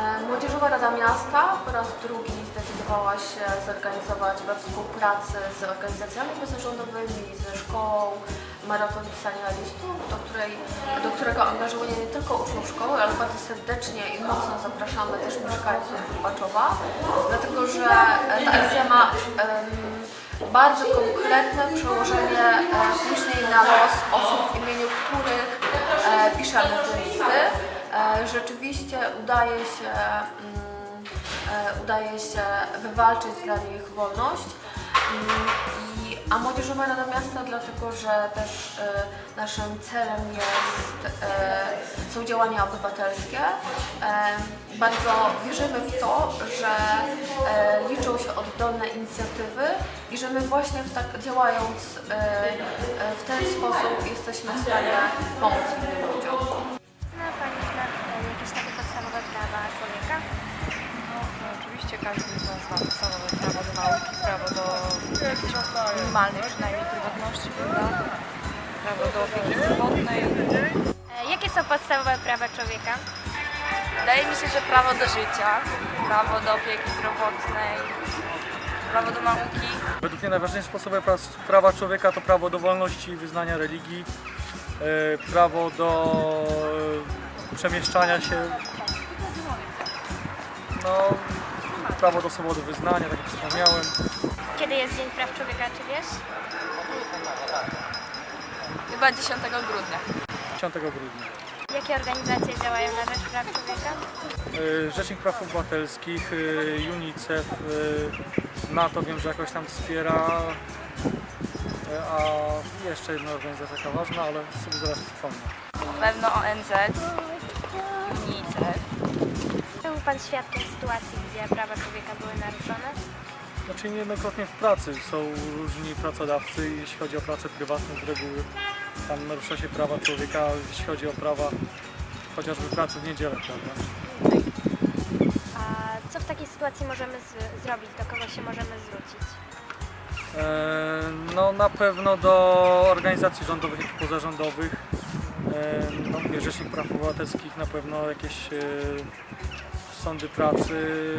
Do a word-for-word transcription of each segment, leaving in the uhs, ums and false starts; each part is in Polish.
Młodzieżowa Rada Miasta po raz drugi zdecydowała się zorganizować we współpracy z organizacjami pozarządowymi, ze szkołą maraton pisania listów, do, której, do którego angażuje nie tylko uczniów szkoły, ale bardzo serdecznie i mocno zapraszamy też mieszkańców Lubaczowa, dlatego że ta akcja ma um, bardzo konkretne przełożenie e, później na los osób, w imieniu których e, piszemy te listy. E, rzeczywiście udaje się, um, e, udaje się wywalczyć dla nich wolność. Um, i, a Młodzieżowa Rada Miasta, dlatego że też e, naszym celem jest, e, są działania obywatelskie. E, bardzo wierzymy w to, że e, liczą się oddolne inicjatywy i że my właśnie w tak, działając e, e, w ten sposób jesteśmy w stanie pomóc innym ludziom. Zna Pani jakieś takie podstawowe prawa człowieka? No, no oczywiście każdy z nas ma podstawowe prawo do nauki, prawo do jakiejś minimalnej przynajmniej prywatności, prawda? Prawo do opieki zdrowotnej. E, Jakie są podstawowe prawa człowieka? Wydaje mi się, że prawo do życia, prawo do opieki zdrowotnej, prawo do nauki. Według mnie najważniejsze podstawowe prawa człowieka to prawo do wolności wyznania religii, prawo do przemieszczania się, no, prawo do swobody wyznania, tak jak wspomniałem. Kiedy jest Dzień Praw Człowieka, czy wiesz? Chyba dziesiątego grudnia. dziesiątego grudnia. Jakie organizacje działają na rzecz praw człowieka? Rzecznik Praw Obywatelskich, UNICEF, NATO wiem, że jakoś tam wspiera, a jeszcze jedna organizacja taka ważna, ale sobie zaraz przypomnę. Na pewno O N Z, UNICEF. Był Pan świadkiem sytuacji, gdzie prawa człowieka były naruszone? Znaczy niejednokrotnie w pracy są różni pracodawcy, jeśli chodzi o pracę prywatną z reguły tam narusza się prawa człowieka, jeśli chodzi o prawa chociażby pracy w niedzielę, prawda? A co w takiej sytuacji możemy z- zrobić? Do kogo się możemy zwrócić? E, no na pewno do organizacji rządowych i pozarządowych, e, no, mówię, Rzecznik Praw Obywatelskich, na pewno jakieś e, sądy pracy,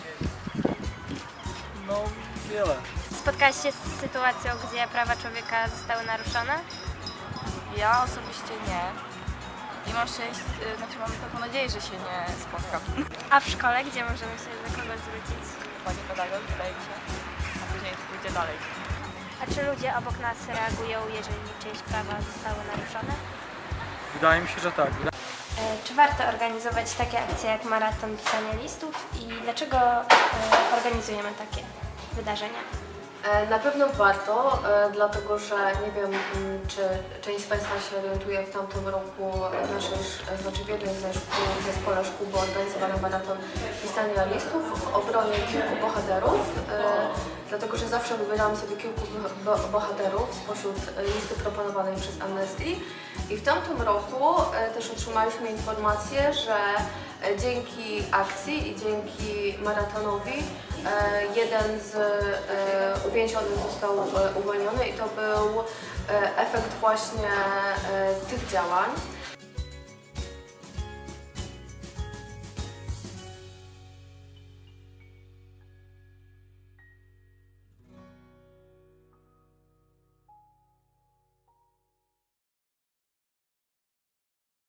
no wiele. Spotkałaś się z sytuacją, gdzie prawa człowieka zostały naruszone? Ja osobiście nie. I mam szczęście, znaczy mam taką nadzieję, że się nie spotkam. A w szkole, gdzie możemy się do kogo zwrócić? Pani pedagog, wydaje mi się, a później pójdzie dalej. A czy ludzie obok nas reagują, jeżeli czyjeś prawa zostały naruszone? Wydaje mi się, że tak. Czy warto organizować takie akcje jak maraton pisania listów i dlaczego organizujemy takie wydarzenia? E, Na pewno warto, e, dlatego że nie wiem, m, czy część z Państwa się orientuje, w tamtym roku w naszej, sz- znaczy w jednej ze szkół, w zespole szkół był organizowany maraton pisania listów w obronie kilku bohaterów, e, dlatego że zawsze wybieramy sobie kilku bo- bohaterów spośród listy proponowanej przez Amnesty i w tamtym roku e, też otrzymaliśmy informację, że e, dzięki akcji i dzięki maratonowi e, jeden z e, uwięzionych został e, uwolniony i to był e, efekt właśnie e, tych działań.